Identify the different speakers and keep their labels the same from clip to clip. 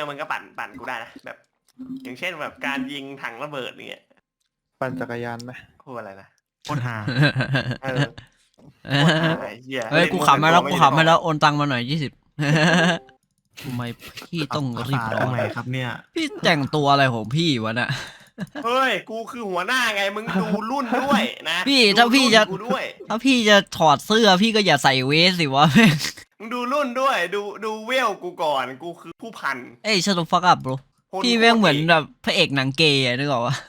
Speaker 1: มันก็ปั่นกูได้นะแบบ อย่างเช่นแบบการยิงถังระเบิดเงี้ย
Speaker 2: ปั่นจักรยานไหม
Speaker 1: พูดอะไรนะ
Speaker 3: โคตรหา
Speaker 1: เออโคตรหาไอ้เหี้ย
Speaker 4: เฮ้ยกูขำมาแล้วกูขำมาแล้วโอนตังมาหน่อย20ทำไมพี่ต้องรีบร้
Speaker 3: ต
Speaker 4: อ
Speaker 3: รง
Speaker 4: น
Speaker 3: ไหนครับเนี่ย
Speaker 4: พี่แต่งตัวอะไรของพี่วะน่ะ
Speaker 1: เฮ้ยกูคือหัวหน้าไงมึงดูรุ่นด้วยนะ
Speaker 4: พี่ถ้าพี่จะ
Speaker 1: ดูรุ่นกูด้วย
Speaker 4: ถ้าพี่จะถอดเสื้อพี่ก็อย่าใส่เวสสิวะแม่ง
Speaker 1: มึงดูรุ่นด้วยดูเวลกูก่อนกูคือผู้พัน
Speaker 4: เอ้ยชัตฟักอัพ bro
Speaker 1: คน
Speaker 4: พี่แม่งเหมือนแบบพระเอกหนังเกย์อะนึกออกปะ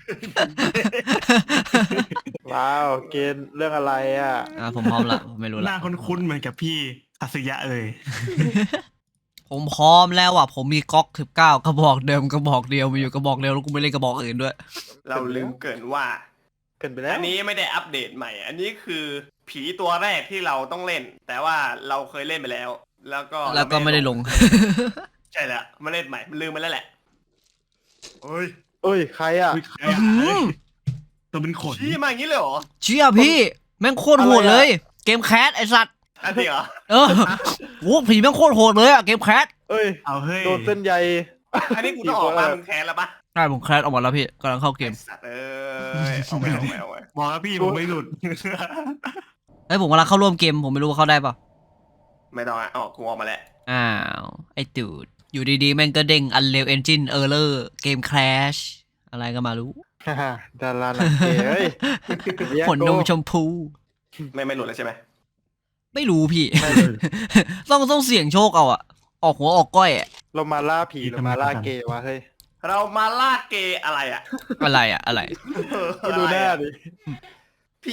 Speaker 2: ว้าวเกณฑ์เรื่องอะไรอ่ะ
Speaker 4: ผมพร้อมละผมไม่รู้
Speaker 3: ห
Speaker 4: ละ
Speaker 3: น้าคุ้นๆเหมือนกับพี่อัศยะเลย
Speaker 4: ผมพร้อมแล้วอ่ะผมมีก๊อก19กระบอกเดิมกระบอกเดียวมีอยู่กระบอกเดียวแล้วกูไม่เล่นกระบอกอื่นด้วย
Speaker 1: เราลืมเกินว่า
Speaker 2: เกินไปแล้ว
Speaker 1: อันนี้ไม่ได้อัปเดตใหม่ อันนี้คือผีตัวแรกที่เราต้องเล่น แต่ว่าเราเคยเล่นไปแล้ว แล้วก็
Speaker 4: ไม่ได้ลง
Speaker 1: ใช่แล้วมาเล่นใหม่มันลืมไปแล้วแหละเฮ้ย
Speaker 2: เอ้ยใครอ่ะ
Speaker 3: อุ๊ยใครอะตัวเป็นขน
Speaker 1: ชี้มาอย่างนี้เลยเหรอ
Speaker 4: เชี่ยพี่แม่งโคตรโหดเลย เกมแคสไอสัตว์
Speaker 1: อันนี้เหรอ
Speaker 4: เออโว้ผีแม่งโคตรโหดเลยอะเกมแคส
Speaker 2: เอ้ย
Speaker 3: เอาเฮ้ย
Speaker 2: โดนเส้นใย
Speaker 1: อันนี้กูต้องออกมามึงแค้นแล้วปะ
Speaker 4: ใช่ผมแคสออกมาแล้วพี่กำลังเข้าเกม
Speaker 1: ไอ้สัตว์เอ้ยเอาไป
Speaker 3: บอกแล้วพี่ผมไม่หลุด
Speaker 4: เฮ้ยผมกำลังเข้าร่วมเกมผมไม่รู้ว่าเข้าได้เปล่า
Speaker 1: ไม่ต้องอ่ะออกกูออกมาแล้ว
Speaker 4: อ้าวไอตูดอยู่ดีๆแม่งก็เด้ง Unreal Engine Error เกม Crash อะไรก็มารู้
Speaker 2: ฮ่าดาราหนังเกย์เฮ้ย
Speaker 4: ขนนมชมพู
Speaker 1: ไม่หลุดแล้วใช่ไหม
Speaker 4: ไม่รู้พี่ ต้องเสี่ยงโชคเอาอะออกหัวออกก้อยอะ
Speaker 2: เรามาล่าผีหรือมาล่าเกย์วะเฮ้ย
Speaker 1: เรามาล่าเกย์อะไรอ่ะ
Speaker 4: อะไรอะอะไร
Speaker 2: ไปดูหน้าดิ
Speaker 1: ผี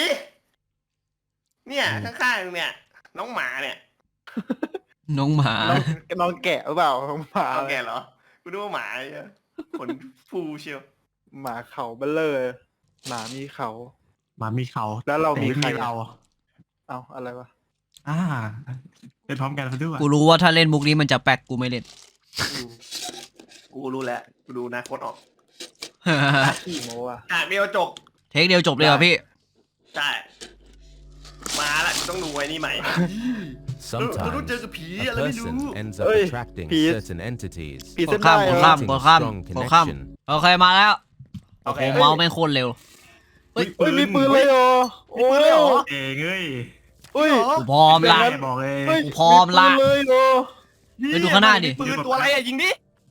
Speaker 1: เนี่ยข้างๆเนี่ย น้องหมาเนี่ย
Speaker 4: น้องหมา
Speaker 2: น้องแกะหรือเปล่าน้องหมา
Speaker 1: น้องแกเหรอกูดูว่าหมาไอ้เหี้ยขนฟูเชียว
Speaker 2: หมาเขาเบลเลอร์หมามีเขา
Speaker 3: หมามีเขา
Speaker 2: แล้วเรามี
Speaker 3: แต่
Speaker 2: ใคร
Speaker 3: เรา
Speaker 2: เอาอะไรวะ
Speaker 3: เล่นพร้อมกันซะด้วย
Speaker 4: กูรู้ว่าถ้าเล่นมุกนี้มันจะแปลกกูไม่เล่น
Speaker 1: อืมกูรู้แล้วกูดูนะโคตรออก
Speaker 2: ขี้โมอ่ะ
Speaker 1: ฉากเดียวจบ
Speaker 4: เทคเดียวจบเลยเหรอพี่
Speaker 1: ใช่มาละกูต้องดูไอ้นี่ใหม่
Speaker 5: Sometimes
Speaker 1: Don't just pee,
Speaker 5: a
Speaker 1: let me
Speaker 5: person
Speaker 1: do.
Speaker 5: ends up
Speaker 2: Oi,
Speaker 5: attracting
Speaker 2: pee.
Speaker 5: certain entities,
Speaker 2: ผี
Speaker 4: ก
Speaker 2: เส้
Speaker 4: ด
Speaker 2: น
Speaker 4: ข้าม
Speaker 2: ได้
Speaker 4: กด
Speaker 2: เหร
Speaker 4: ข้า
Speaker 2: อ
Speaker 4: มกดข้าม
Speaker 5: strong
Speaker 4: กดข้าม
Speaker 5: connection.
Speaker 4: โอเคมาแล้ว
Speaker 1: โอเค
Speaker 4: โอ้เมาส์แม่งโคตรเร็ว
Speaker 2: เฮ้ยมีปืนเลยเหรอโอ้ย
Speaker 3: เองเอ้ย
Speaker 2: เฮ้ย
Speaker 4: กูพร้อมละ
Speaker 2: งั้น
Speaker 3: บอกเลย
Speaker 2: เฮ้ย
Speaker 4: กูพร้อมละ
Speaker 2: ปืนเลยเหรอ
Speaker 4: ไปดูข้างหน้าดิ
Speaker 1: ปืนตัวอะไรอ่ะยิงดิ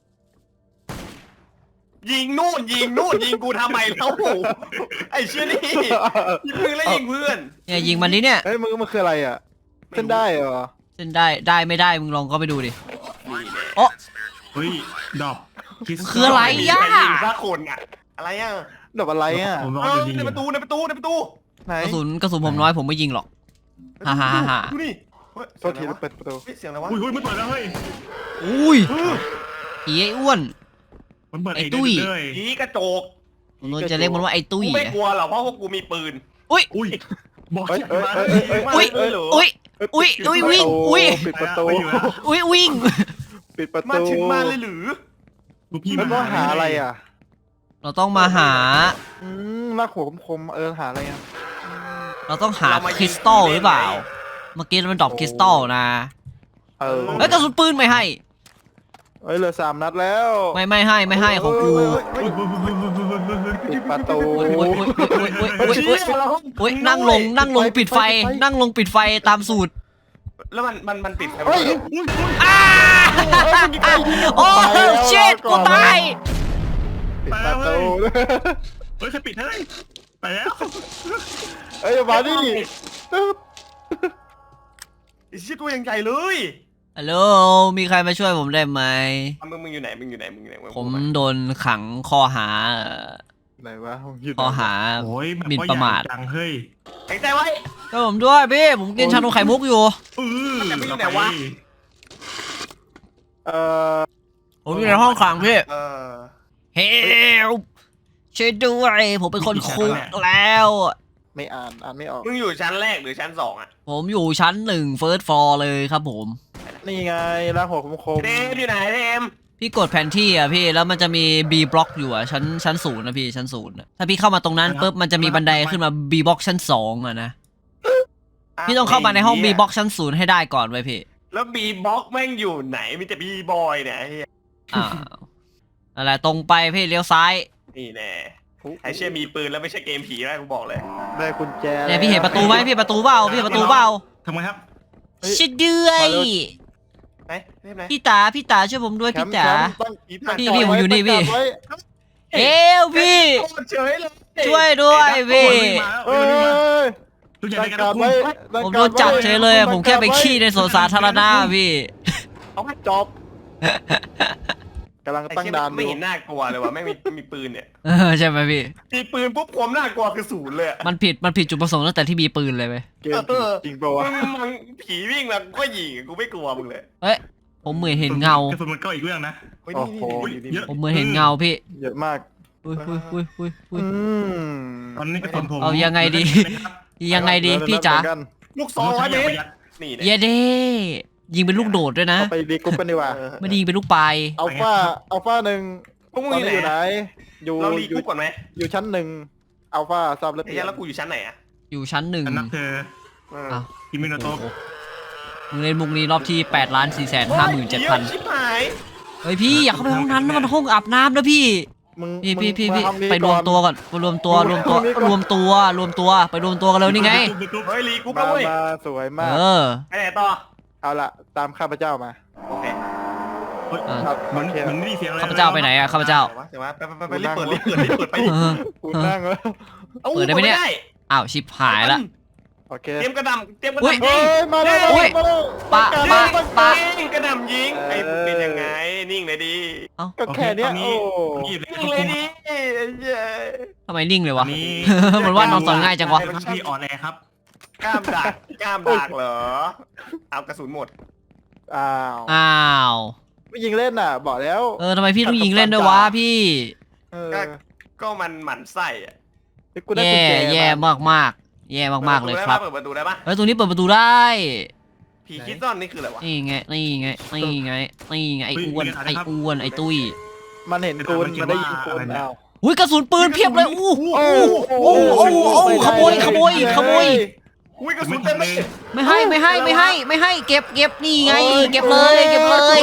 Speaker 1: ยิงนู่นยิงกูทำไมแล้วไอ้เชี่ยนี่ยิงปืนแล้วยิงเพื่อน
Speaker 4: เนี่ยยิงมันนี้เนี่ย
Speaker 2: เฮ้ยมันคืออะไรอ่ะเส้นได้เหรอ
Speaker 4: เส้นได้ไม่ได้มึงลองก็ไปดูดิ
Speaker 1: นี่แหละ
Speaker 4: โอ้
Speaker 3: เฮ้ยดอกคิส
Speaker 4: คืออะไร
Speaker 1: ม่มี
Speaker 4: ย่า
Speaker 1: ใครยิงสักคนอ่ะอะไรอ่ะ
Speaker 2: ดอกอะไรอ่ะ
Speaker 3: ผมรอ
Speaker 1: เออ
Speaker 3: จะยิง
Speaker 1: ในประตู
Speaker 2: ไหน
Speaker 4: กระสุนผมน้อยผมไม่ยิงหรอก ฮ่า
Speaker 1: ดูนี่เฮ้ย
Speaker 2: โทษทีเราเปิดประตู
Speaker 1: เสียงอะไรวะ
Speaker 3: อุ้ยมันเปิดแล้วเฮ้ย
Speaker 4: อุ้ยผีไอ้อ้วน
Speaker 3: มันเปิด
Speaker 4: ไอ้
Speaker 3: เอง
Speaker 4: ตุ้ย
Speaker 3: เลย
Speaker 1: ผีกระโจก
Speaker 4: ผมจะเรียกมันว่าไอ้ตุ้ย
Speaker 1: กูไม่กลัวหรอกเพราะพวกกูมีปืน
Speaker 4: อุ้ย
Speaker 3: อุ้ยบอก
Speaker 2: เฮ้ย
Speaker 3: ชื่อ
Speaker 2: เฮ้ย
Speaker 3: มา
Speaker 2: เฮ้ย
Speaker 4: อุ้ยอุ้ยอุ้ยวิ่งอุ้ย
Speaker 2: ปิดประตู
Speaker 4: อุ้ยวิ่ง
Speaker 2: ปิดประ
Speaker 1: มา
Speaker 2: ตู
Speaker 1: ถึงมาเลยหรือ
Speaker 3: ลูกพี่
Speaker 2: มันต้องหาอะไรอ่ะ
Speaker 4: เราต้องมาหา
Speaker 2: ลากหัวคมๆหาอะไรอ่ะ
Speaker 4: เราต้องหาคริสตัลหรือเปล่า เมื่อกี้มันดรอปคริสตัลนะ
Speaker 2: เออ
Speaker 4: เฮ้ยกระสุนปืนไม่ให้
Speaker 2: เฮ้ยเหลือ3 นัดแล้ว
Speaker 4: ไม่ให้ของกู
Speaker 2: ปิดประตู
Speaker 4: โอ้ยนั่งลงปิดไฟ นั่งลงปิดไฟตามสูตร
Speaker 1: แล้วมันปิดไฟ
Speaker 2: เฮ้ย
Speaker 4: โอ้เชิดกูตาย
Speaker 2: ปิดประตู
Speaker 3: เฮ้ยใครปิดให้ไปแล้ว
Speaker 2: เฮ้ยมาดิ
Speaker 1: ไอ้เชี่ยตัวยังใหญ่เลย
Speaker 4: ฮัลโหลมีใครมาช่วยผมได้ไหม
Speaker 1: มึงอยู่ไหนมึงอยู่ไหน
Speaker 4: ผมโดนขังข้อหา
Speaker 2: ไหนวะผมยืน
Speaker 4: ข้อหา
Speaker 3: โอ้ย
Speaker 4: หมิ่นประมาท
Speaker 3: จังเฮ้ย
Speaker 1: แข็งใจไว้
Speaker 4: ก็ผมด้วยพี่ผมกินชานมไข่มุกอยู่
Speaker 1: มันจะไปอยู่ไหนวะ
Speaker 2: เอ่อ
Speaker 4: ผมอยู่ในห้องขังพี่
Speaker 1: เฮ้
Speaker 4: เฮลช่วยด้วยผมเป็นคนคุกแล้ว
Speaker 2: ไม่อ่านไม่ออก
Speaker 1: มึงอยู่ชั้นแรกหรือชั้น2อ่ะ
Speaker 4: ผมอยู่ชั้น1 First Floor เลยครับผม
Speaker 2: นี่ไงลากหัวคม
Speaker 1: เดมอยู่ไหนเดม
Speaker 4: พี่กดแผนที่อ่ะพี่แล้วมันจะมี B block อยู่อ่ะชั้น0นะพี่ชั้น0นะถ้าพี่เข้ามาตรงนั้นปุ๊บมันจะมีบันไดขึ้นมา B block ชั้น2อ่ะนะพี่ต้องเข้ามาในห้อง B block ชั้น0ให้ได้ก่อนไว้พี่
Speaker 1: แล้วบีบ็อกแม่งอยู่ไหนมีแต่บีบอยเนี่ย
Speaker 4: อ้าวอะไรตรงไปพี่เลี้ยวซ้าย
Speaker 1: นี่แน่ไอเชี่ยมีปืนแล้วไม่ใช่เกมผีแล้วกูบอกเลย
Speaker 2: ได้กุญแจ
Speaker 4: เนี่ยพี่เห็นประตูไหมพี่ประตูเปล่าพี่เห็นประตูเปล่า
Speaker 3: ทำไมครับ
Speaker 4: ชิดเดือย
Speaker 1: ไหนเรียบไหน
Speaker 4: พี่ตาช่วยผมด้วย
Speaker 2: แคม
Speaker 4: พี่
Speaker 2: ป์
Speaker 4: จ๋า
Speaker 2: ตั้ง
Speaker 4: พี่ผมอยู่นี่พี่
Speaker 2: ตั้งไว้
Speaker 4: เอวพี่
Speaker 1: โคตรเฉยเลย
Speaker 4: ช่วยด้วยพี่
Speaker 2: เอ้ย
Speaker 3: ทุกอย่าง
Speaker 2: ตั้
Speaker 3: ใน
Speaker 2: ง
Speaker 3: กระ
Speaker 2: การ
Speaker 3: ดาษ
Speaker 2: ไว้
Speaker 4: ผมโดนจับเฉยเลยผมแค่ไปขี้ในสวนสาธารณะพี่
Speaker 2: เอาให้จบกำลัง
Speaker 1: ไอ้
Speaker 2: ตั้ง
Speaker 1: เชี่ย
Speaker 2: ด่านอ
Speaker 1: ไม่
Speaker 2: ยู่
Speaker 1: เห็นน่ากลัวเลยว่ะไม่มีปืนเนี่ย
Speaker 4: ใช่ไหมพี่
Speaker 1: มีปืนปุ๊บความน่ากลัวคือศูนย์เลยอะ
Speaker 4: มันผิดจุดประสงค์ตั้งแต่ที่มีปืนเลยไหม
Speaker 2: เกมจริงเปล่าวะ
Speaker 1: มึงผีวิ่งมากูก็ยิงกูไม่กลัวมึงเลย
Speaker 4: เอ้ยผมเหมือนเห็นเงาก
Speaker 3: ระสุนมันก็อีกเรื่องนะ
Speaker 1: เฮ้ย
Speaker 2: โอ้
Speaker 1: นี่
Speaker 2: โห
Speaker 1: นี่
Speaker 3: เยอะ
Speaker 4: ผมเหมือนเห็นเงาพี่
Speaker 2: เยอะมาก
Speaker 4: อุ้ย
Speaker 2: อืม
Speaker 3: ตอนนี้กระสุนผม
Speaker 4: เอายังไงดี ยังไงดีพี่จ๋า
Speaker 1: ลูกซอง100 เมตรนี่
Speaker 4: เย
Speaker 1: เนี่ย
Speaker 4: เด้ยิงเป็นลูกโดดด้วยนะ
Speaker 2: เอาไปดีกรุ๊ปกันดีกว่า
Speaker 4: ไม่ได้ยิงเป็นลูกปลาย
Speaker 2: อัลฟาหนึ่ง
Speaker 1: พวกมึง
Speaker 2: ตอน
Speaker 1: อยู่
Speaker 2: นี้
Speaker 1: ไหน
Speaker 2: อยู่ไหน อยู่
Speaker 1: เรารีกรุ๊ปก่อนไหม
Speaker 2: อยู่ชั้นหนึ่งอัลฟาทราบแล้ว
Speaker 1: ไอ้เหี้ยแล้วกูอยู่ชั้นไหนอะ
Speaker 4: อยู่ชั้นหนึ่ง
Speaker 3: อันนับเธอ
Speaker 4: อ้าว
Speaker 3: คิมิโนโตะ
Speaker 4: มึงเล่นมุกนี้รอบที่8,457,000
Speaker 1: ชิบหาย
Speaker 4: เฮ้ยพี่อย่าเข้าไปห้องนั้นนะมันห้องอาบน้ำนะพี่
Speaker 2: มึง
Speaker 4: พี่
Speaker 2: มาทำนี้
Speaker 4: ไปรวม
Speaker 2: ก่อน
Speaker 4: ตัวก่อนไปรวมตัวไปรวมตัวไปรวมตัวกันเลยนี่ไง
Speaker 1: เฮ้ยรีกรุ๊ป
Speaker 2: มา
Speaker 1: แล้วเว้ย
Speaker 2: มาสวยมาก
Speaker 4: เออ
Speaker 1: ไปไหนต่อ
Speaker 2: เอาละตามข้าพเจ้ามา
Speaker 1: โอเค
Speaker 2: ครับ
Speaker 3: เหมือน
Speaker 2: โอเค
Speaker 3: เหมือนไม่ได้เสียงอะไร
Speaker 4: ข้าพเจ้าไปไหนอะข้าพเจ้า
Speaker 1: เดี๋ยววะไปรีบเปิดรีบเปิดไปดิ
Speaker 4: เออ
Speaker 2: กูนั่งแล้ว
Speaker 1: อา
Speaker 4: เปิดได้ไหมเนี่ย อ้าวชิบหายละ
Speaker 2: โอเค
Speaker 1: เตรียมกระดำเตรียมกระ
Speaker 4: อุ๊ย
Speaker 1: ดำ
Speaker 2: เฮ้
Speaker 1: ยิง
Speaker 2: ยมาแล้ว
Speaker 4: อุ๊ย
Speaker 2: มาแล้ว
Speaker 4: ปะ
Speaker 2: ปะ
Speaker 1: ยิงกระดำยิงไอ้เป็นยังไงนิ่งเลยดิ
Speaker 2: ก็แค่เนี้ยโอ้
Speaker 3: นี่เลย
Speaker 1: นิ่งเลยดิไอ้เหี้ย
Speaker 4: ทำไมนิ่งเลยวะ
Speaker 3: นี่
Speaker 4: เหมือนว่านอนสอนง่ายจังวะ
Speaker 3: พี่อ่อนแอครับ
Speaker 1: กล้ามดักเหรอเอากระสุนหมด
Speaker 2: อ้าว
Speaker 4: อ้าว
Speaker 2: ไม่ยิงเล่นน่ะ บอกแล้ว
Speaker 4: ทำไมพี่ต้องยิงเล่นด้วยวะพี่
Speaker 2: เออ
Speaker 1: ก็มันหมั่นไส้อะ
Speaker 2: กูได้กุญแจ
Speaker 4: แย่
Speaker 2: มา
Speaker 4: มากแย่มากๆเลยครับ
Speaker 1: เปิดประตูได้ปะ
Speaker 4: เฮ้ยตรงนี้เปิดประตูได้
Speaker 1: ผีคิดซ่อนนี่คืออะไรวะ
Speaker 4: นี่ไงไอ้อ้วนไอ้ตุ้ย
Speaker 2: มันเห็นกูมันได้ยิงกูอ้าว
Speaker 4: อุ้ยกระสุนปืนเพียบเลยอู้
Speaker 2: โอ้
Speaker 4: ขโมย
Speaker 1: อุ้ยกระสุนเต็มเลย
Speaker 4: ไม่ให้เก็บนี่ไงเก็บเลย เก็บ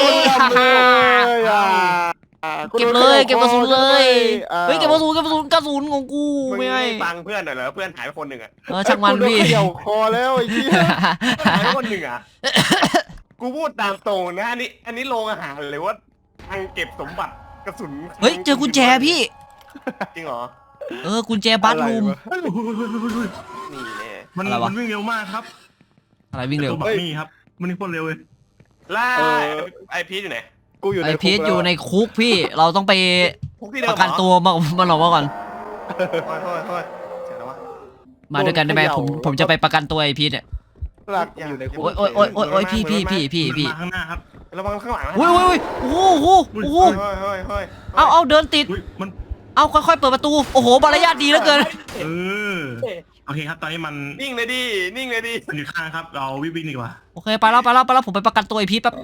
Speaker 4: กระสุนเลยเฮ้ยเก็บกระสุนของกู
Speaker 1: มึง
Speaker 4: ไม่ให้
Speaker 1: ฟังเพื่อนหน่อยเหรอเพื่อนหายไปคนหนึ่งอะ
Speaker 4: ช่างมันพี่
Speaker 2: เกี่ยวคอแล้วไอ้เหี้ย
Speaker 1: หายไปคนหนึ่งอะกูพูดตามตรงนะอันนี้โรงอาหารหรือว่าทางเก็บสมบัติกระสุน
Speaker 4: เฮ้ยเจอกุญแจพี่
Speaker 1: จริงเหรอ
Speaker 4: กุญแจบัตรูม
Speaker 1: นี่แน่
Speaker 3: มัน
Speaker 4: อะไรวะ
Speaker 3: มันวิ่งเร็วมากครับ
Speaker 4: อะไรวิ่งเร็ว
Speaker 3: ตัวบักนี่ครับมันนี่โคตรเร็วเลย
Speaker 1: ล่าไอพีชอยู่ไหน
Speaker 2: กูอยู่ใน
Speaker 4: ไอพีช
Speaker 2: คุกแล้ว
Speaker 4: อยู่ในคุกพี่เราต้องไป
Speaker 1: พวกที่เดิ
Speaker 4: ป
Speaker 1: ม
Speaker 4: ระกันตัวมันออกมาก่อน
Speaker 1: เฮ้ยเจ๋งแล้ววะ
Speaker 4: มาด้วยกันได้ไหมผมจะไปประกันตัวไอพีชเนี่ย
Speaker 2: หลักอยู่ในคุก
Speaker 4: โอ้ยพี่
Speaker 3: มันมาข้างหน้าครับ
Speaker 1: ระวังข้างหลังนะ
Speaker 4: อุ้ยโอ้โห
Speaker 1: เฮ้ย
Speaker 4: เอาเดินติด
Speaker 3: อุ๊ยมัน
Speaker 4: เอาค่อยๆเปิดประตูโอ้โหมารยาทดีเหลือเกิน
Speaker 3: เออโอเคครับตอนนี้มัน
Speaker 1: นิ่งเลยดินิ่งเลยดิ
Speaker 3: มันอยู่ข้างครับ เราวิ่งดีกว่า
Speaker 4: โอเคไปแล้วผมไปประกันตัวไอพีชแป๊บ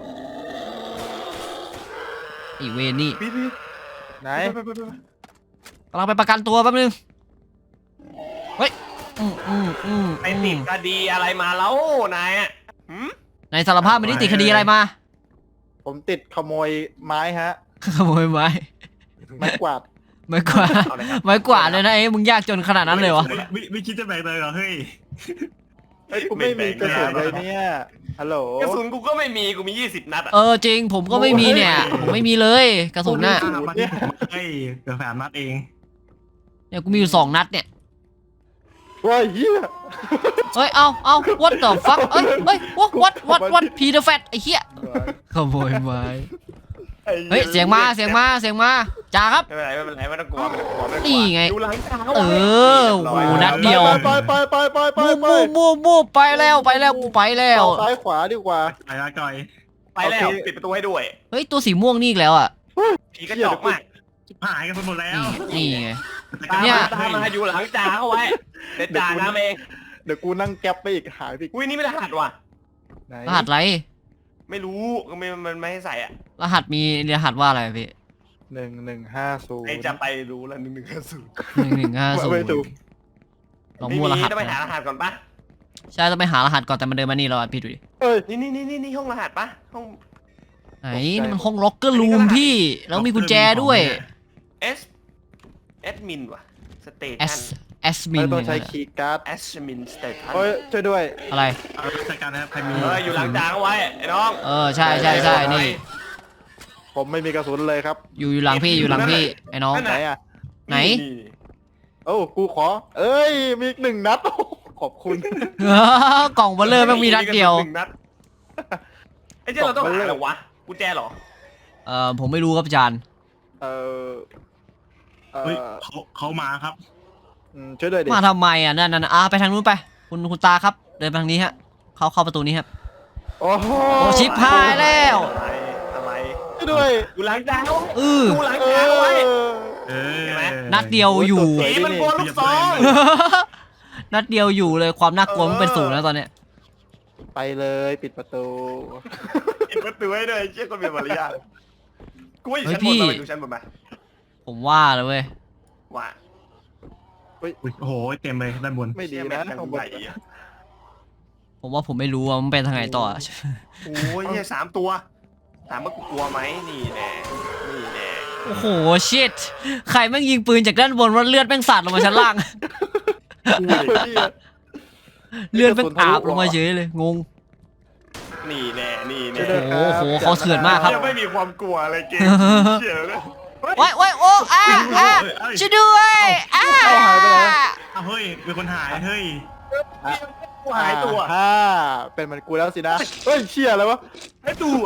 Speaker 4: ไอเวรนี่
Speaker 1: พีช
Speaker 2: ไหน
Speaker 4: กำลังไปประกันตัวแป๊บนึงเฮ้ย
Speaker 1: ไปติดคดีอะไรมาแล้วนายอ่ะ
Speaker 4: ในสารภาพไม่ได้ติดคดีอะไรมา
Speaker 2: ผมติดขโมยไม้ฮะ
Speaker 4: ขโมยไม้
Speaker 2: ไม้กวาด
Speaker 4: ไม้กวาดไม้กวาดเลยนะมึงยากจนขนาดนั้นเลยวะ
Speaker 3: ไม่คิดจะแบกเลยเหรอเฮ้ย
Speaker 2: กูไม่มีกระสุนเลยเนี่ยฮัลโหล
Speaker 1: กระสุนกูก็ไม่มีกูมี20 นัดอ่ะ
Speaker 4: จริงผมก็ไม่มีเนี่ยผมไม่มีเลยกระสุนน่ะ
Speaker 3: มาที่ผมให้เกือบ3 นัดเอง
Speaker 4: เนี่ยกูมีอยู่2 นัดเนี่ย
Speaker 2: ว้ายเหี้ย
Speaker 4: เฮ้ยเอา what the fuck เฮ้ย what P the fat ไอ้เหี้ยขโมยไม้เฮ้ยเสียงมาจ่าครับ
Speaker 1: ไม่เป็นไรไม่ต้องกลัว
Speaker 4: นี่ไง
Speaker 1: ดูหลังตา
Speaker 4: โอ้โหนัดเดียว
Speaker 2: ไป
Speaker 4: มูไปแล้วกูไปแล้ว
Speaker 2: ซ้ายขวาดีกว่า
Speaker 3: ไปละก่อย
Speaker 1: ไปแล้วปิดประตูให้ด้วย
Speaker 4: เฮ้ยตัวสีม่วงนี่อีกแล้วอ่ะ
Speaker 1: ผีกระจอกมาก
Speaker 3: หายกันหมดแล้ว
Speaker 4: นี่ไง
Speaker 1: ตามมาอยู่หลังจ่าเข้าไว้เด็ดจ่าน้ำเอง
Speaker 2: เดี๋ยวกูนั่งแก๊ปไปอีกหายไปอีก
Speaker 1: อุ้ยนี่ไม่รหัสว่ะ
Speaker 2: ไหน
Speaker 4: รหัสอะไร
Speaker 1: ไม่รู้มันไม่ให้ใส่อ่ะ
Speaker 4: รหัสมีรหัสว่าอะไรพี่
Speaker 2: 1150
Speaker 1: ไอจะไปรู้แล้ว1 1 5
Speaker 2: ไม่ถูก
Speaker 4: 0ลองมั่วรหัส
Speaker 1: ต้องไปหารหัสก่อนปะ
Speaker 4: ใช่ต้องไปหารหัสก่อนแต่มันเดินมานี่เราพี่ดูดิ
Speaker 2: เอ้ย
Speaker 1: นี่ห้องรหัสปะห้อง
Speaker 4: ไหนนี่มันห้องล็อกเกอร์รูมพี่ แล้วมีกุญแจด้วย
Speaker 1: เอสแอดมินว่ะสเต
Speaker 4: แอ
Speaker 1: ชั
Speaker 4: ส
Speaker 1: น
Speaker 4: แอสมิ
Speaker 2: ไม่
Speaker 4: น
Speaker 2: ต้องใช้คีย์การ์ด
Speaker 1: แอสมินสเตชัน
Speaker 2: โอ้ยช่วยด้วย
Speaker 4: อะไร
Speaker 3: เอาจัดการนะครับใครมี
Speaker 1: อยู่หลังจางเอาไว้ไอ้น้อง
Speaker 4: ใช่นี่
Speaker 2: ผมไม่มีกระสุนเลยครับ
Speaker 4: อยู่หลังพี่อยู่หลังพี่ไอ้น้อง
Speaker 2: ไหนอ่ะ
Speaker 4: ไหน
Speaker 2: โอ้กูขอ เอ้ยมีอีก1 นัดโอ้ขอบคุณ
Speaker 4: กล่องเบลเลอร์แม่งมีนัดเดียว
Speaker 1: หนึ่งนัดไอ้เจ้าเราต้องหาอะไรวะกุญแจเหรอ
Speaker 4: ผมไม่รู้ครับอาจารย์
Speaker 2: เออ
Speaker 3: เฮ้ยเขามาครับ
Speaker 2: ช่วยด้วยดิ
Speaker 4: มาทำไมอ่ะนั่นไปทางนู้นไปคุณตาครับเดินไปทางนี้ฮะเข้าประตูนี้ครับ
Speaker 2: โอ้โห
Speaker 4: โอ้ชิบหายแล้ว
Speaker 1: อะไร
Speaker 2: ช่วยด้วย
Speaker 1: อยู่หลังจางเอา
Speaker 4: อ
Speaker 1: ดูหลังจางเอาไว้
Speaker 3: เออ
Speaker 1: เห็นไหม
Speaker 4: นัดเดียวอยู่
Speaker 2: สวย
Speaker 1: ผี
Speaker 2: ดิ
Speaker 1: มันกลัวลูกซอง
Speaker 4: นัดเดียวอยู่เลยความน่ากลัวมันเป็นศูนย์แล้วตอนเนี้ย
Speaker 2: ไปเลยปิดประตู
Speaker 1: ปิดประตูให้ด้วยเชี่ยคนมีมารยาทกูว่าอยู่ชั้นบนมาไปดูชั้นบนมา
Speaker 4: ผมว่าเลยเว้ย
Speaker 1: ว่า
Speaker 3: อุ๊ยโอ้โหเต็มเลยด้านบน
Speaker 2: ไม่ดี
Speaker 1: เชี่ยแม่
Speaker 2: นะ
Speaker 1: ง
Speaker 2: ข้างบ
Speaker 1: ให
Speaker 2: น
Speaker 1: ญ่อะ
Speaker 4: ผมว่าผมไม่รู้ว่ามันเป็นทางไหนต่อ
Speaker 1: โอ้ยเหี้ย3 ตัวถามว่ากูกลัวไหมนี่แน่นี่แน่
Speaker 4: โอ้โหชิตใครแม่งยิงปืนจากด้านบนว่าเลือดแม่งสาดลงมาชั้นล่าง เลือดแม่งอาบลงมาเฉยเลยงง
Speaker 1: นี่แน่นี่แน่
Speaker 4: โอ้โหเขาเถื่อนมากครับ
Speaker 1: เชี่ยไม่มีความกลัวอะไรเกมเชี่ยเลย
Speaker 4: โอ้ยโอ้ช่วยด้วย
Speaker 2: เอาหายไปไหน
Speaker 3: เอาเฮ้ยเป็นคนหายเฮ้ย
Speaker 1: กูหายตัว
Speaker 2: เป็นเหมือนกูแล้วสินะเฮ้ยเชี่ยอะไรวะ
Speaker 1: หายตัว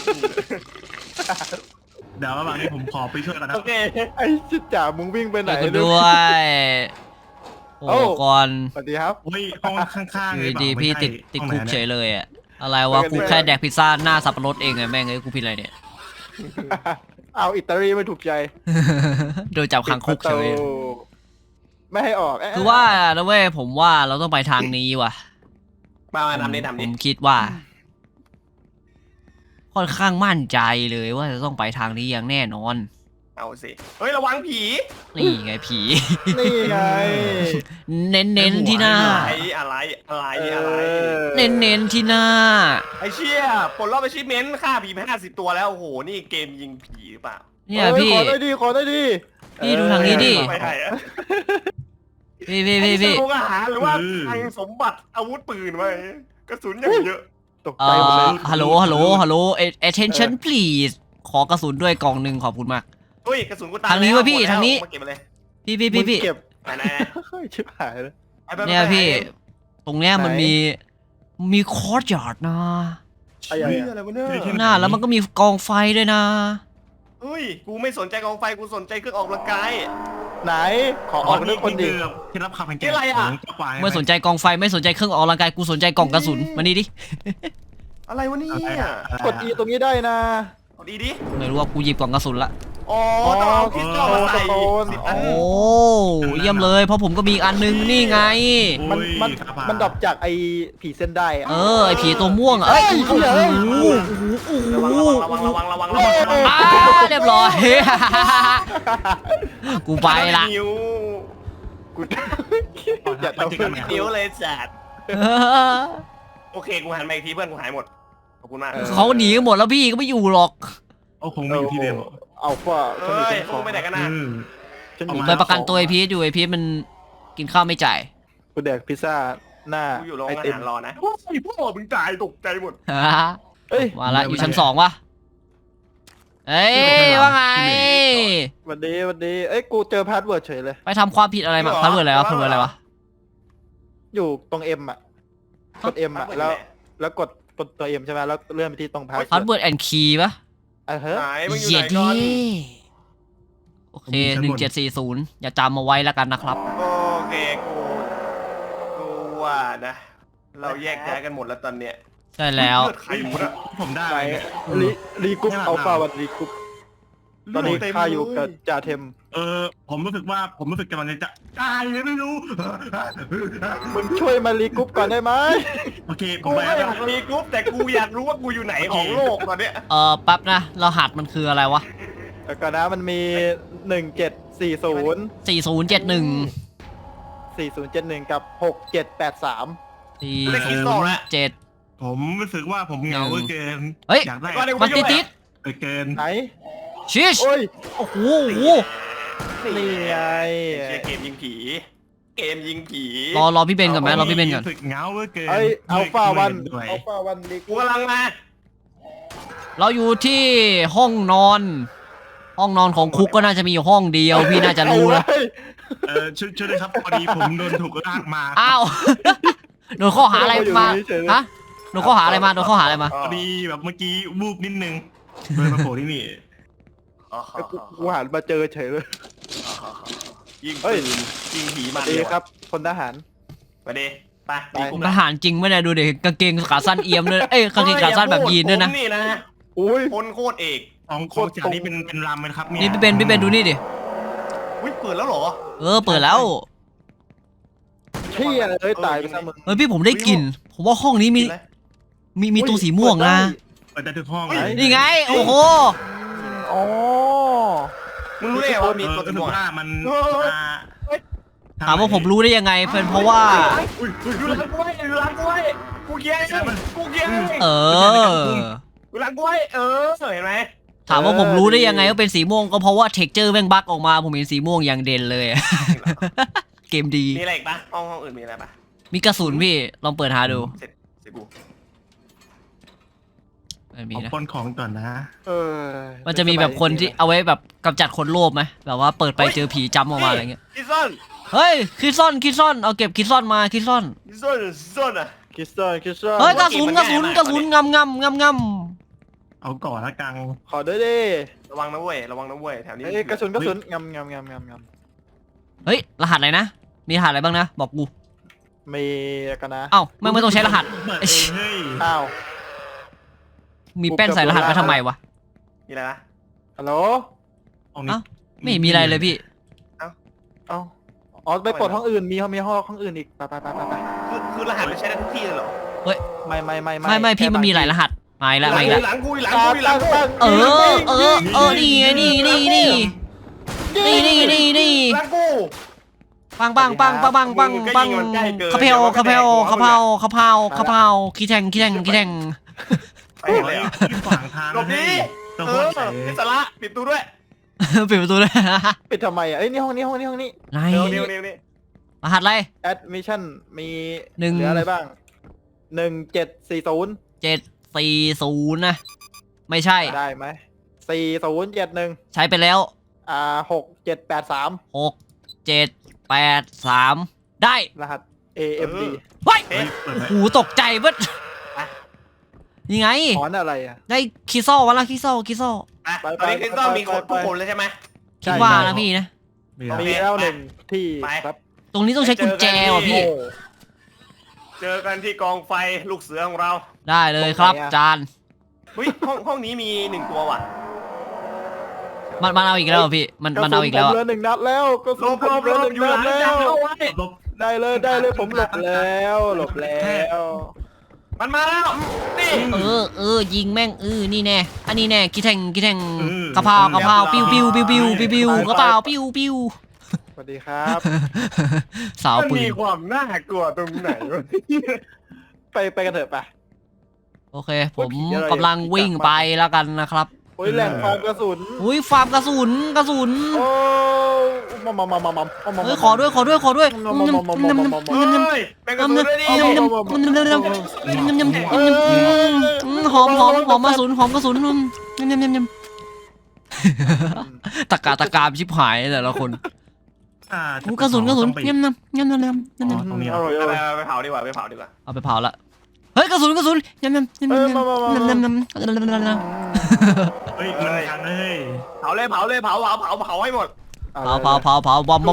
Speaker 3: เดี๋ยวระหว่างนี้ผมขอไปช่วยกันนะ
Speaker 1: โอเค
Speaker 2: ไอ้ชิดจ่ามึงวิ่งไปไหน
Speaker 4: ช่วยกูด้วยโอ้ก่อน
Speaker 2: สวัสดีครับ
Speaker 3: เฮ้ยห้องข้างๆ
Speaker 4: อ
Speaker 3: เลย
Speaker 4: ยู่
Speaker 3: เปล่า
Speaker 4: ดีพี่
Speaker 3: ไม่ใช่
Speaker 4: ติด
Speaker 3: ห้อง
Speaker 4: คุก
Speaker 3: ไหน
Speaker 4: เฉ
Speaker 3: นี่
Speaker 4: ยเลยอะอะไรวะกูแค่แดกพิซซ่าหน้าสับปะรดเองไงแม่งเอ้ยกูผิดอะไรเนี่ย
Speaker 2: เอาอิตาลีไม่ถูกใจ
Speaker 4: โดนจับขังคุกเฉย
Speaker 2: ปิดประตูไม่ให้ออก
Speaker 4: คือว่านะเว้ยผมว่าเราต้องไปทางนี้ว่ะ
Speaker 1: มาทำนี่
Speaker 4: ผมคิดว่า ค่อนข้างมั่นใจเลยว่าจะต้องไปทางนี้อย่างแน่นอน
Speaker 1: เอาสิเฮ้ยระวังผี
Speaker 4: นี่ไงผี
Speaker 2: นี่ไง
Speaker 4: เน้นๆที่หน้า
Speaker 1: อะไร
Speaker 4: เน้นๆที่หน้า
Speaker 1: ไอ้เชี่ยปลดรอบไปชิเมนต์ฆ่าผีไป50 ตัวแล้วโอ้โหนี่เกมยิงผีหรือเปล่า
Speaker 4: เนี่ยพี่
Speaker 2: ขอได้ดีขอได้ดี
Speaker 4: พี่ดูทางนี้ดิ
Speaker 1: ไม่ให้อะ
Speaker 4: พี่
Speaker 1: โรงอาหารหรือว่าทางสมบัติอาวุธปืนไว้กระสุนอย่างเยอะ
Speaker 2: ตกใจหมดเลย
Speaker 4: ฮัลโหล attention please ขอกระสุนด้วยกล่องหนึ่งขอบคุณมาก
Speaker 1: เฮ้ยกระสุนกูตาย
Speaker 4: ทางนี้วะพี่ทางนี้
Speaker 1: มาเก็บมาเลย
Speaker 4: พี่
Speaker 2: มึงเก็บ
Speaker 1: ไหน
Speaker 2: เฮ้ยชิบหายเลย
Speaker 1: ๆ
Speaker 4: เนี่ยพี่ ตรงเนี้ยมัน
Speaker 2: ไหน
Speaker 4: มีคอร์ดยาร์ดนะ
Speaker 2: ไอ้
Speaker 1: เฮ้ย
Speaker 2: ยัง
Speaker 1: อะไรวะเนี่ย
Speaker 4: หน้าแล้วมันก็มีกองไฟด้วยนะ
Speaker 1: เฮ้ยกูไม่สนใจกองไฟกูสนใจเครื่องออกกำลังกาย
Speaker 2: ไหน ขอออกด้วยคนดี
Speaker 3: คือที่รับคำแข่ง
Speaker 1: นี่อะไรอะ
Speaker 3: ของเจ้าควาย
Speaker 4: ไม่สนใจกองไฟไม่สนใจเครื่องออกกำลังกายกูสนใจกล่องกระสุนมานี่ดิ
Speaker 1: อะไรวะเนี่ย
Speaker 2: กด E ตรงนี้ได้นะ
Speaker 1: กดดีดิ
Speaker 4: ไม่รู้ว่ากูหยิบกล่องกระสุนละ
Speaker 1: อ๋อต้องเอาคริสตัลมาใส่
Speaker 2: โอ้
Speaker 1: 10 อัน
Speaker 4: โอ้เยี่ยมเลยเพราะผมก็มีอีกอันนึงนี่ไง
Speaker 2: มัน
Speaker 3: โอ้ย
Speaker 2: มัน
Speaker 3: ครับ
Speaker 2: มันดรอปจากไอ้ผีเส้นได้อะ
Speaker 4: ไอผีตัวม่วงอะเอ้ย
Speaker 2: เฮ้ย
Speaker 4: โอ้โห
Speaker 1: ระวังระวัง
Speaker 4: อ้าเรียบร้อย กูไปละ
Speaker 1: นิ้ว
Speaker 2: กูอย่าทำเพื่อน
Speaker 1: นิ้วเลยจัดโอเคกูหันมาอีกทีเพื่อนกูหายหมดขอบคุณมาก
Speaker 4: เขาหนีกันหมดแล้วพี่ก็ไม่อยู่หรอก
Speaker 3: โอ้คงไม่อยู่ที่เดิม
Speaker 2: เอาว่า
Speaker 1: เฮ้ยพวกไปไหนกันนะ
Speaker 2: ฉัน
Speaker 3: เอา
Speaker 2: อยู่
Speaker 3: มา
Speaker 4: ไปประกันตัวไอพีทอยู่ไอพีทมันกินข้าวไม่จ่าย
Speaker 2: กูแดกพิซซ่าหน้า
Speaker 1: กูอยู่โรง
Speaker 2: ไอ
Speaker 1: อา
Speaker 2: ติม
Speaker 1: หารรอนะไอ้พ่อมึงตายตกใจหมด
Speaker 2: เอ้ย
Speaker 4: มาละอยู่ชั้น2วะเอ้ยว่าไง
Speaker 2: วันดีเอ้ยกูเจอพาสเวิร์ดเฉยเลย
Speaker 4: ไปทำความผิดอะไรมาพัดเวิร์ดอะไรวะพัดเวิร์ดอะไรวะ
Speaker 2: อยู่ตรง M อ่ะกด M อ่ะแล้วกดตัว M ใช่ไหมแล้วเลื่อนไปที่ตรงพาส
Speaker 4: พัดเวิร์ดแอนด์คีย์ปะ
Speaker 2: เฮ้ย
Speaker 1: ไหนมึงอยู่
Speaker 4: เหี้
Speaker 1: ไห
Speaker 4: ย
Speaker 1: นก่อน
Speaker 4: ดิโอเค1740อย่าจำมาไว้แล้วกันนะครับ
Speaker 1: โอเคกูว่านะ เราแยกย้ายกันหมดแล้วตอนเนี้ย
Speaker 4: ใช่แล้ว
Speaker 1: เลือดใครหมดอะ
Speaker 3: ผมได้
Speaker 2: ไหน
Speaker 3: เนี่ย
Speaker 2: รีกรุ๊ป
Speaker 3: ไม่หลับ
Speaker 2: เอาเปล่า
Speaker 3: หลับ
Speaker 2: วันรีกรุ๊ปตอนนี้ข้าอยู่กับจ่าเทม
Speaker 3: ผมรู้สึกกำลังจะตายเลยไม่รู้
Speaker 2: มึงช่วยมารีกรุ๊ปก่อนได้ไหม
Speaker 3: โอเคผ
Speaker 1: กู
Speaker 3: มไป
Speaker 1: ไม่
Speaker 3: แล้ว
Speaker 1: อยากรีกรุ๊ปแต่กูอยากรู้ว่ากูอยู่ไหนของโลกตอนเนี้ย
Speaker 4: แป๊บนะรหัสมันคืออะไรวะ
Speaker 2: แล้วก็นะมันมี1740
Speaker 4: 4071
Speaker 2: 4071กับ6783
Speaker 4: 407
Speaker 3: ผมรู้สึกว่าผมเหงาเหลือเกิน
Speaker 4: เฮ้ย
Speaker 3: อยากได้
Speaker 4: มันติด
Speaker 3: เกิน
Speaker 2: ไหน
Speaker 4: ชิช
Speaker 2: โอ้ย
Speaker 4: โอ้โห
Speaker 2: นี่ไง
Speaker 1: เชียร์เกมยิงผี เกมยิงผี
Speaker 4: รอพี่เบนก่อนไหมรอพี่เบนก่อน
Speaker 3: รู้สึกเหงาเหลือเกิน
Speaker 2: ไอ้อัลฟาวัน
Speaker 3: ด้วย
Speaker 2: อัลฟาวันดี
Speaker 1: กูกำลังมา
Speaker 4: เราอยู่ที่ห้องนอน ห้องนอนของคุกก็น่าจะมีอยู่ห้องเดียวพี่น่าจะรู้นะ
Speaker 3: ช่วยด้วยครับพอดีผมโดนถูกลากมา
Speaker 4: อ้าว โดนข้อหาอะไรมาฮะโดนข้อหาอะไรมาโดนข้อหาอะไรมา
Speaker 3: พอดีแบบเมื่อกี้วูบนิดนึงเลยมาโผล่ที่นี่
Speaker 2: กูหันมาเจอเฉยเลย
Speaker 1: ยิง
Speaker 2: เฮ้
Speaker 1: ปื
Speaker 2: ย
Speaker 1: นยิงผี
Speaker 2: ส
Speaker 1: มา
Speaker 2: วัสดีครับคนทหาร
Speaker 1: ไปดิไป
Speaker 2: ไป
Speaker 1: ดีกู
Speaker 4: ทหารจริงไม่ได้ดูเด็กกางเกงขาสั้นเอี่ยมเลยเอ้ยกางเกงขาสั้นแบบยีนด้วยนะ
Speaker 1: ผมนี่นะ
Speaker 2: อุ้ย
Speaker 1: คนโคตรเอก
Speaker 3: ของจากนี้เป็นรำไหมครับเนี่ย
Speaker 4: นี่พี่เบนดูนี่ดิ
Speaker 1: อุ้ยเปิดแล้วเหรอ
Speaker 4: เปิดแล้ว
Speaker 2: เที่ยเลยตายไปซะมึง
Speaker 4: เฮ้ยพี่ผมได้กลิ่นผมว่าห้องนี้มีตัวสีม่วงนะ
Speaker 3: เปิดได้ทุกห้อง
Speaker 4: นี่ไงโอ้โห
Speaker 2: อ๋อ
Speaker 1: มึงรู้ได้ไงว่ามีตัว
Speaker 3: รู้สึ
Speaker 1: ม่
Speaker 3: ก
Speaker 1: วง
Speaker 3: ว่า
Speaker 1: อะ
Speaker 3: มัน
Speaker 4: ถามว่าผมรู้ได้ยังไงเป็นเพราะว่า
Speaker 1: อยู่หลังกูไว้อยู่หลังกูไว้กูเกียร์กูเกียร์
Speaker 4: เออ
Speaker 1: อยู่หลังกูไว้เห็นไหม
Speaker 4: ถามว่าผมรู้ได้ยังไงว่าเป็นสีม่วงก็เพราะว่าเท็กเจอร์แม่งบั๊กออกมาผมเห็นสีม่วงอย่างเด่นเลย เกมดี
Speaker 1: มีอะไรอีกปะห้องอื่นมีอะไรปะ
Speaker 4: มีกระสุนพี่ลองเปิดหาดู
Speaker 1: เสร็จกู
Speaker 4: ไม่มี
Speaker 3: เอา
Speaker 4: นะ
Speaker 3: ปนของก่อนนะ
Speaker 2: เออ
Speaker 4: มันจะมีแบบคนที่เอาไว้แบบกำจัดคนโลภไหมแบบว่าเปิดไปเจอผีจำออกมาอะไรเงี้ย
Speaker 1: คิดซ่อน
Speaker 4: เฮ้ยคิดซ่อนเอาเก็บคิดซ่อนมาคิดซ่อน
Speaker 1: คิดซ่อนอ่ะ
Speaker 2: คิสเตอร์คิสเตอร์
Speaker 4: เฮ้ยกระสุน
Speaker 1: เกมมันง่ายมาก
Speaker 4: กระสุนงำ
Speaker 3: เอาก่อนละกัง
Speaker 2: ขอด้วยดิ
Speaker 1: ระวังนะเว้ยแถวนี้
Speaker 2: เอ้ยกระสุนงำ
Speaker 4: เฮ้ยรหัสอะไรนะมีรหัสอะไรบ้างนะบอกกู
Speaker 2: มีกันนะ
Speaker 4: เอ้าไม่ต้องใช้รหัส
Speaker 3: เปิดเองเฮ้ย
Speaker 2: อ้าว
Speaker 4: มีแป้นใส่รหัสมาทำไมวะ
Speaker 1: มีอะไรปะ
Speaker 2: ฮัลโหล
Speaker 3: ห้องนี้
Speaker 4: ไม่เห็นมีอะไรเลยพี่
Speaker 2: เอ้าอ๋อไปปลดห้องอื่นมีห้องอื่นอีกไป
Speaker 1: คือรหัสมันใช้ได้ทุกที่เลยเหรอ
Speaker 2: ไม่
Speaker 4: พี่มันมีหลายรหัสมาอีกแล้ว
Speaker 1: หลังกู
Speaker 4: นี่ไงนี่หลังกูปังคาเพาขี้แทง
Speaker 1: ไปเลย
Speaker 3: ที่ขวางทาง
Speaker 1: หลบดิ
Speaker 3: ตัวโคตรใหญ่
Speaker 1: นิสระปิดตู้ด้วย
Speaker 4: ปิดประตูเลย
Speaker 2: ปิดทำไมอ่ะเอ้ยนี่ห้องนี้
Speaker 4: ไหน
Speaker 1: เดี๋ยว
Speaker 4: รหัสอะไร
Speaker 2: แอดมิชชั่นมี
Speaker 4: หนึ่ง
Speaker 2: เหลืออะไรบ้าง1740
Speaker 4: 740นะไม่ใช่
Speaker 2: ได้ไหม4071
Speaker 4: ใช้ไปแล้ว
Speaker 2: 6783
Speaker 4: 6783 ได้
Speaker 2: รหัส AMD
Speaker 4: เฮ้ย
Speaker 3: เฮ้ยเปิดไหม
Speaker 4: หูตกใจเว้ยนี่ไง
Speaker 2: ถอนอะไรอ่ะ
Speaker 4: ได้คิโซ่วะล่ะคิโซ่
Speaker 1: ตอนนี้คริสตัลมีคนทุกคนเลยใช่ไหม
Speaker 4: คิดว่านะพี่นะ
Speaker 3: มีอะไร
Speaker 2: มีแล้วหนึ่งที่
Speaker 1: ไป
Speaker 2: ครับ
Speaker 4: ตรงนี้ต้องใช้กุญแจว่ะพี่
Speaker 2: โอ้
Speaker 1: เจอกันที่กองไฟลูกเสือของเรา
Speaker 4: ได้เลยครับ
Speaker 2: ตรงไหนอะ
Speaker 4: จาน
Speaker 1: เฮ้ยห้องนี้มี1ตัวว่ะ
Speaker 4: มันเอาอีกแล้วเหรอพี่มันเอาอีกแล้ว
Speaker 2: ก
Speaker 4: อะ
Speaker 2: ระสุนผมเหลือ1 นัดแล้วก็
Speaker 1: หลบอยู่หลังจานเอาไว้
Speaker 3: ลบ
Speaker 2: ได้เลยผมหลบแล้ว
Speaker 1: มันมาแล้วนี่
Speaker 4: ยิงแม่งนี่แน่อันนี้แน่คิดแทงกระเพรากระเพราปิ้วกระเพราปิ้ว
Speaker 2: สวัสดีครับ
Speaker 4: สาว
Speaker 1: มัน
Speaker 4: ปื
Speaker 1: มี
Speaker 4: น
Speaker 1: ความน่ากลัวตรงไหนวะ
Speaker 2: ไปกันเถอะไป
Speaker 4: โอเค ผมกำลังวิ่งไปแล้วกันนะครับ
Speaker 2: โอ้ยแหล่งฟาร์มกระสุน
Speaker 4: อุ้ยฟาร์มกระสุน
Speaker 2: โอ้มา
Speaker 4: เฮ้ยขอด้วย
Speaker 1: เฮ้ยแบ่งกระสุนด้วยดิ
Speaker 4: หอมกระสุนตะกามชิบหายแต่ละคน กระสุน
Speaker 3: ต้องไป
Speaker 4: ยำ
Speaker 3: ตรงนี้
Speaker 2: อร่อย
Speaker 1: ไปเผาดีกว่า
Speaker 4: เอาไปเผาละเฮ้ยกระสุนยำ
Speaker 3: เฮ้ยมันทันเฮ้ย
Speaker 1: เผาเลยเผาให้หมด
Speaker 4: เผาบอม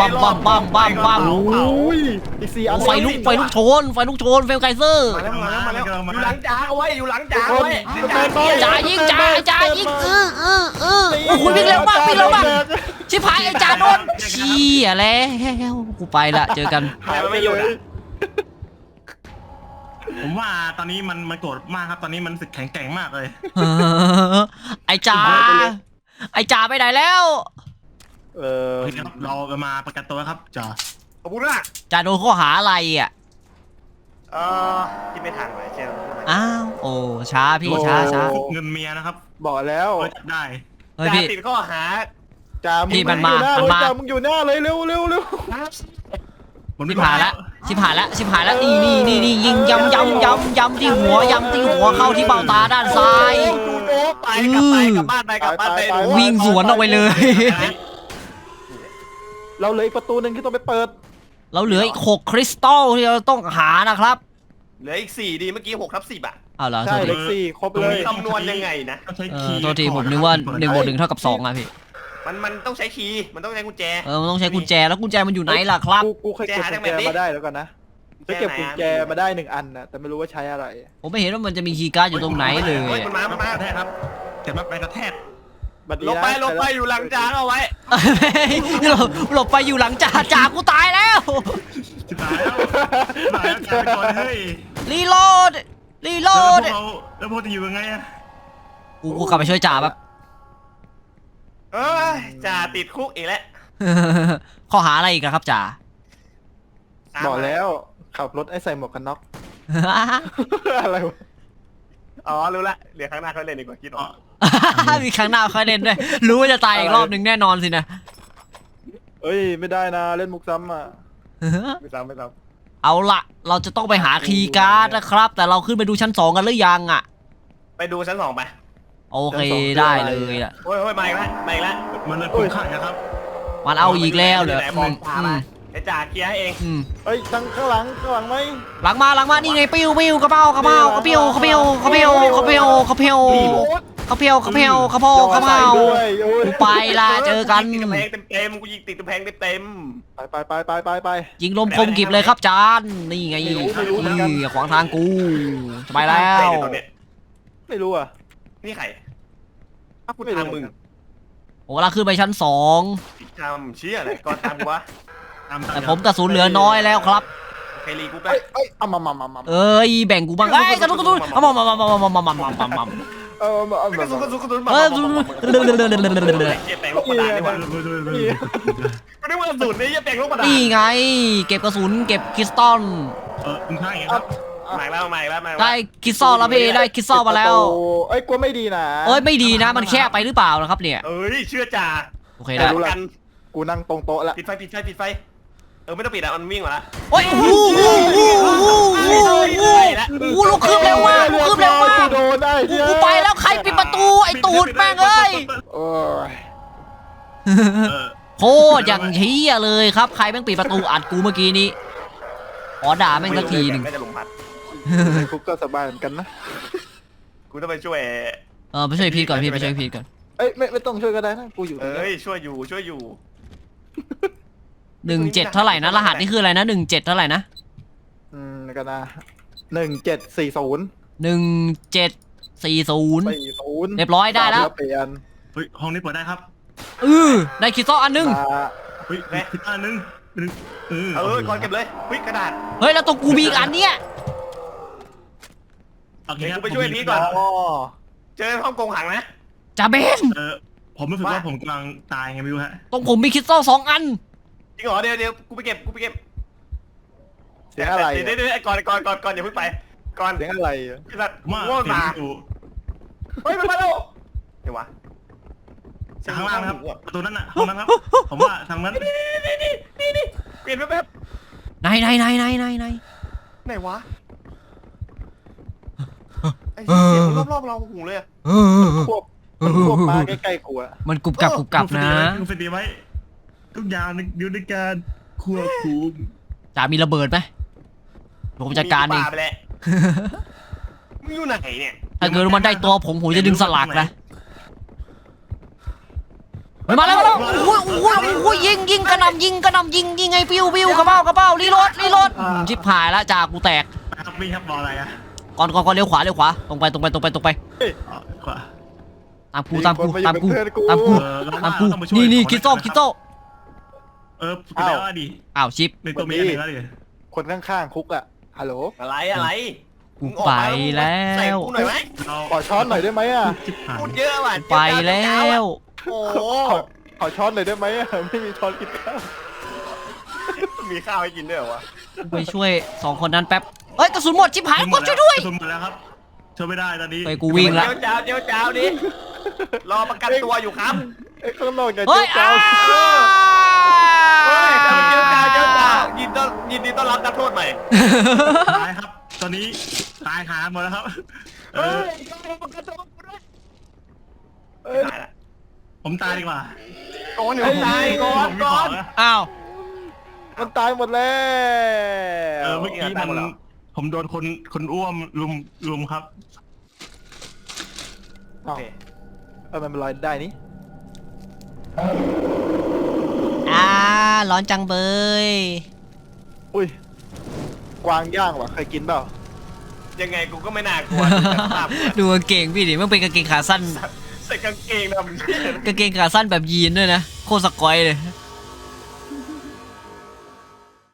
Speaker 2: โอ้ยอีก4 อัน
Speaker 4: ไฟลุกโชนเฟลไกเซอร์
Speaker 1: มาแล้วอยู่หลังจ่าเอาไว้จ่ายิง
Speaker 4: โอ้โหวิ่งเร็วมากชิบหายไอ้จ่าโดนเชี่ยแล้วกูไปละเจอกัน
Speaker 2: หายไปเลย
Speaker 3: ผมว่าตอนนี้มันโกรธมากครับตอนนี้มันสึกแข็งแกร่งมากเลย
Speaker 4: ไอ้จ่าไปไหนแล้ว
Speaker 3: เฮ้ยครับเรามาประกันตัวครับจ่า
Speaker 1: ขอบคุณมาก
Speaker 4: จ่าโดนข้อหาอะไรอ่ะ
Speaker 1: เออที่ไม่ทันไว้เชียว
Speaker 4: อ้าวโอ้ช้าพี่ช้า
Speaker 3: เงินเมียนะครับ
Speaker 2: บอกแล้ว
Speaker 3: เออจับได้
Speaker 4: เฮ้ย
Speaker 1: จ่า
Speaker 4: พี่
Speaker 1: ติดข้อหา
Speaker 2: จ่ามึง
Speaker 4: พี่มัน
Speaker 2: อยู่หน้า
Speaker 4: มัน
Speaker 2: เลย
Speaker 4: มา
Speaker 2: จ่ามึงอยู่หน้าเลยเร็วเร็วเร็ว
Speaker 4: ชิบหายละชิบหายละชิบหายละนี่ยิงยำที่หัวยำที่หัวเข้าที่เบ้าตาด้านซ้าย
Speaker 1: ดูโน้ไปกลับบ้านไป
Speaker 4: วิ่งสวนออกไปเลย
Speaker 2: เราเหลืออีกประตูหนึ่งที่ต้องไปเปิด
Speaker 4: เราเหลืออีก6คริสตัลที่เราต้องหานะครับ
Speaker 1: เหลืออีก4ดีเมื่อกี้6/10อ่ะ
Speaker 4: อ้าวเหรอโท
Speaker 2: ใช่
Speaker 4: ษ
Speaker 2: เล
Speaker 4: ที
Speaker 2: ขสี่ครบเลย
Speaker 1: คำนวณยังไงนะ
Speaker 3: ต้องใช้คีย์
Speaker 4: โทษทีผมนึกว่า1+1เท่ากับ2อ่ะพี่
Speaker 1: มันต้องใช้คีย์มันต้องใช้กุญแจ
Speaker 4: มันต้องใช้กุญแจแล้วกุญแจมันอยู่ไหนล่ะครับ
Speaker 2: กูเคยเก็บกุญแจมาได้แล้วกันนะจะเก็บกุญแจมาได้1 อันนะแต่ไม่รู้ว่าใช้อะไร
Speaker 4: ผมไม่เห็นว่ามันจะมีคีย์การ์ดอยู่ตรงไหนเลย
Speaker 1: เฮ้ยมันมา
Speaker 3: กระแทกครับเจ็บมากไปกระแทก
Speaker 2: บัดนี้
Speaker 1: ลง
Speaker 2: นะ
Speaker 1: ไปอยู่หลังจานเอาไว้
Speaker 4: หลบไปอยู่หลังจ่ากูตายแล้ว
Speaker 3: จะตายแล้วตายแล้วตายก่อนเฮ้ย
Speaker 4: รีโหลด
Speaker 3: แล้วพวกจะอยู่ยังไงอะ
Speaker 4: กูกลับไปช่วยจ่าแบบ
Speaker 1: เอ้ยจ่าติดคุกอีกแล้ว
Speaker 4: ข้อหาอะไรอีกอะครับจ่า
Speaker 2: บอกแล้วขับรถไอ้ใส่หมวกกันน็อก อะไรวะ
Speaker 1: อ๋อรู้ละเดี๋ยวครั้งหน้าเขาเล่นดีกว่าคิดออก
Speaker 4: มีครั้งหน้าค่อยเล่นด้วยรู้ว่าจะตายอีกรอบหนึ่งแน่นอนสินะ
Speaker 2: เอ้ยไม่ได้นะเล่นมุกซ้ำอ่ะ
Speaker 1: ไม่ซ้ำ
Speaker 4: เอาละเราจะต้องไปหาคีย์การ์ดนะครับ แต่เราขึ้นไปดูชั้น2กันหรือยังอะ
Speaker 1: ไปดูชั้น2ไป
Speaker 4: โอเคได้เลยอะ
Speaker 1: โอ้ยมาอีกแล้ว
Speaker 3: มันเลยคุ้มค่านะครับ
Speaker 4: มันเอาอีกแล้วเหรอ
Speaker 1: ไหนมองตาไปไอ้จ่าเคลียร์ให้เอง
Speaker 2: เอ้ยทางข้างหลังไหม
Speaker 4: หลังมานี่ไงปิ้วกระเป๋ากระเป๋ากระเปียวกระเปียวกระเปียวกระเปียวกระเปียวกระเปียวกระเปียวกระเพากระเพรา
Speaker 2: ด้วยโอ้ย
Speaker 4: ไปละเจอกัน
Speaker 1: ติดกำแพงเต็มกูยิงติดกำแพงเต็ม
Speaker 2: ไป
Speaker 4: ยิงลมคมกิบเลยครับจานนี่ไง
Speaker 2: ไม่รู้เหมือนกัน
Speaker 4: นี่ขวางทางกูจะไปแล้
Speaker 1: ใคร
Speaker 4: ว
Speaker 1: เนี่ยตอนเนี้ย
Speaker 2: ไม่รู้อ่ะ
Speaker 1: นี่ใครอ้าวกู
Speaker 2: ไม่รู้
Speaker 1: ตามมึง
Speaker 4: ผมกำลังขึ้นไปชั้น2
Speaker 1: ผิดทำเชี่ยอะไรก่อนตามกูวะ
Speaker 4: แต่ผมกระสุนเหลือน้อยแล้วครับ
Speaker 1: ใครรีกูไป
Speaker 2: เอ้ยเอามา
Speaker 4: เอ้ยแบ่งกูบ้างเอ้ยกระสุนเอามา
Speaker 1: กระสุน
Speaker 4: เออ
Speaker 1: เจ็บแปลงลูกกระดาษดีกว่ากูนึกว่ากระสุนนี่จะแปลงลูกกระดาษ
Speaker 4: นี่ไง เก็บกระสุนเก็บคริสตัล
Speaker 3: คุ้มค่าอย่างครับ
Speaker 1: มาแล้ว
Speaker 4: ได้คริสตัลแล้วพี่ได้คริสตัลมาแล้ว
Speaker 2: เอ้ยกลัวไม่ดีนะ
Speaker 4: เอ้ยไม่ดีนะมันแคบไปหรือเปล่านะครับเนี่ย
Speaker 1: เอ้ยเชื่อจ่า
Speaker 4: โอเคได้
Speaker 1: กัน
Speaker 2: กูนั่งตรงโต๊ะละ
Speaker 1: ปิดไฟไม่ต้องปิดอ่ะมันวิ่งมาละ
Speaker 4: โอ้ยลูกคืบเร็วมากลูกคืบเร็วมาก
Speaker 2: โดนได้
Speaker 4: กูไปแล้วใครปิดประตูไอ้ตูดแม่งเอ้ย
Speaker 2: โอ้ย
Speaker 4: โคตรอย่างเฮียเลยครับใครแม่งปิดประตูอัดกูเมื่อกี้นี้ขอด่าแม่งสักทีหนึ่ง
Speaker 1: ก็จะลงพัด
Speaker 2: คุกก็สบายเหมือนกันนะ
Speaker 1: กูต้องไปช่วย
Speaker 4: ไปช่วยพีทก่อนพี่ไปช่วยพีทก่อน
Speaker 2: เอ้ยไม่ต้องช่วยก็ได้นะกูอยู่ตรงนี้
Speaker 1: เอ้ยช่วยอยู่
Speaker 4: 17เท่าไหร่นะรหัสนี่คืออะไรนะ17เท่าไหร่นะ
Speaker 2: กันนะ1740
Speaker 4: 1740
Speaker 2: 40
Speaker 4: เรียบร้อยได้แล้ว
Speaker 2: เปลี่ยน
Speaker 3: เฮ้ยห้องนี้เปิดได้ครับ
Speaker 4: ได้คริสตัลอันนึง
Speaker 3: เฮ้ยผิดอันนึง
Speaker 1: ก่อนเก็บเลยวิ่งกระดาษ
Speaker 4: เฮ้ยแล้วตัวกูมีอีกอันเนี้ย
Speaker 3: โอเคครับ
Speaker 1: ไปช่วยนี้ก่อน
Speaker 2: อ๋อ
Speaker 1: เจอห้องกงหังนะ
Speaker 4: จ่าเบน
Speaker 3: ผมรู้สึกว่าผมกำลังตายไงไม่รู้ฮะ
Speaker 4: ตรงผมมีคริสตัล2 อัน
Speaker 1: จริงเหรอเดี๋ยวกูไปเก็บ
Speaker 2: เสียงอะไร
Speaker 1: เดี๋ยวก่อนอย่าเพิ่งไปก่อน
Speaker 2: เสียงอะไร
Speaker 1: ไอ้สัตว์
Speaker 3: ว่า
Speaker 1: ว่า
Speaker 3: เสียง
Speaker 1: มา
Speaker 3: อยู่
Speaker 1: เฮ้ยมันมาแล้วเดี๋ยววะ
Speaker 3: จากข้างล่างนะครับประตูนั้นน่ะห้องนั้นครับผมว่าทางนั้น
Speaker 1: นี่เปลี่ยนแป๊บ
Speaker 4: ไหน
Speaker 1: ไหนวะไอ้เสียงรอบเราหูเลย
Speaker 2: ควบมาใกล้ๆกูอะ
Speaker 4: มันกรุบกรับนะ
Speaker 3: คุณสติไว้ทุกอย่างอยู่ในการควบคุม
Speaker 4: จ่ามีระเบิดไหมผมจัดการเอง
Speaker 1: ไปแล้วมึงอยู่ไหนเนี่ย
Speaker 4: ถ้าเกิดมันได้ตัวผมจะดึงสลักนะมาแล้วโอ้ยยิงกระหน่ำยิงไงปิ้วกระเป๋ารีโหลดชิบหายแล้วจ่ากูแตก
Speaker 3: ครับพี่ครับบอกอะไรอะ
Speaker 4: ก่อนเลี้ยวขวาตรงไป
Speaker 3: ขวา
Speaker 4: ตามกูนี่คิดโซ่
Speaker 3: ไปแล้วดิ
Speaker 4: อ้าวชิป
Speaker 3: ในตัวมีอะไรแล้วดิ
Speaker 2: คนข้างๆคุกอะฮัลโหล
Speaker 1: อะไร
Speaker 4: กูไปแล้
Speaker 1: ใส่
Speaker 4: ว
Speaker 1: กูหน่อยไหม
Speaker 2: ขอช้อนหน่อยได้ไหมอะ
Speaker 3: จิบหาย
Speaker 1: พูดเยอะว่ะ
Speaker 4: ไปแล้ว
Speaker 1: โอ้
Speaker 2: ขอช้อนหน่อยได้ไหมอะไม่มีช้อนกินข้าว
Speaker 1: มีข้าวให้กินด้วยเหรอวะ
Speaker 4: ไปช่วย2 คนนั้นแป๊บเฮ้ยกระสุนหมดชิบหายกดช่วยด้วย
Speaker 3: กระสุนหมดแล้วครับช่วยไม่ได้ตอนนี้
Speaker 4: ไปกูวิ่งละ
Speaker 1: เจ้าดิรอประกันตัวอยู่ครับ
Speaker 2: ไอ้ข้างนอกอย่า
Speaker 4: เฮ้ย
Speaker 2: เจ้า
Speaker 1: เฮ้ยเจ้ายินดีต้อนรับนักโทษใหม่
Speaker 3: ตายครับ ตอนนี้ตายหาหมดแล้วครับ
Speaker 1: เฮ้ยประกันตัวกูด้วยตายละ
Speaker 3: ผมตายดีกว่า
Speaker 1: ก่อนอยู่ตายก่อน
Speaker 3: ผมมีของนะ
Speaker 4: อ้าว
Speaker 2: มันตายหมดแล้ว
Speaker 3: เมื่อกี้ผมโดนคนอ้วมลุมครับ
Speaker 2: เอ้ามันเป็นรอยได้นี่
Speaker 4: ร้อนจังเบย
Speaker 2: อุ้ยกวางย่างว่ะเคยกินเปล่า
Speaker 1: ยังไงกูก็ไม่น่ากลัวภาพ
Speaker 4: ดูกางเกงพี่ดิมันเป็นกางเกงขาสั้น
Speaker 1: ใส่กางเกงดำ
Speaker 4: กางเกงขาสั้นแบบยีนด้วยนะโคตรสกอยเลย
Speaker 1: เ